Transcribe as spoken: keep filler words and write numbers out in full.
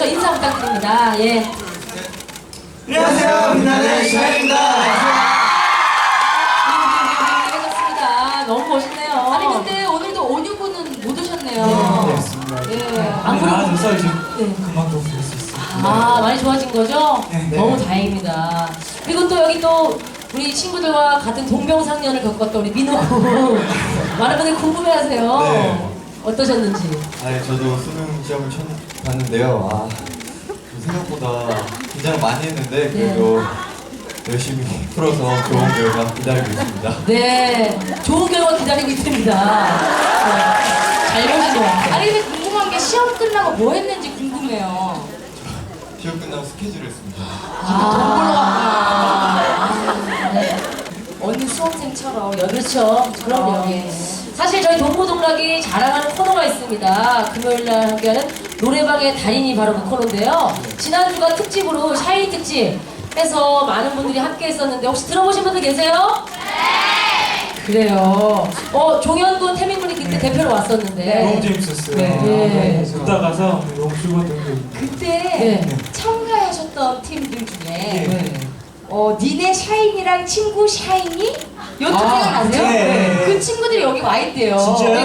계속해서 인사 부탁드립니다. 예. 안녕하세요, 빛나는 샤입니다. 반갑습니다. 너무 멋있네요. 아니 근데 오늘도 오뉴분은 못 오셨네요. 네, 맞습니다. 예. 안 그래도- 나와줘서 이제 네. 금방 또 볼 수 있어요. 아, 많이 좋아진 거죠? 네. 너무 다행입니다. 그리고 또 여기 또 우리 친구들과 같은 동병상련을 겪었던 우리 민호 군. 많은 분들이 궁금해하세요. 네. 어떠셨는지. 아, 저도 수능 시험을 처음 봤는데요. 아, 생각보다 긴장 많이 했는데 그래도 열심히 풀어서 좋은 결과 기다리고 있습니다. 네, 좋은 결과 기다리고 있습니다. 네, 잘 보신 것 같아요. 아니 근데 궁금한 게 시험 끝나고 뭐 했는지 궁금해요. 시험 끝나고 스케줄을 했습니다. 아, 네. 언니 수험생처럼 여- 그렇죠. 그럼요. 예. 사실 저희 동고동락이 자랑하는 코너가 있습니다. 금요일날 함께하는 노래방의 달인이 바로 그 코너인데요. 지난주가 특집으로 샤이니 특집 해서 많은 분들이 함께 했었는데 혹시 들어보신 분들 계세요? 네! 그래요. 어, 종현군, 태민군이 그때 대표로 왔었는데. 너무 재밌었어요. 네. 네. 듣다 가서 너무 즐거웠던 기억이 그때 네. 참가하셨던 팀들 중에 네. 어 니네 샤이니랑 친구 샤이니? 요즘 아, 생각나세요? 네. 그 친구들이 여기 와 있대요. 진짜요? 네,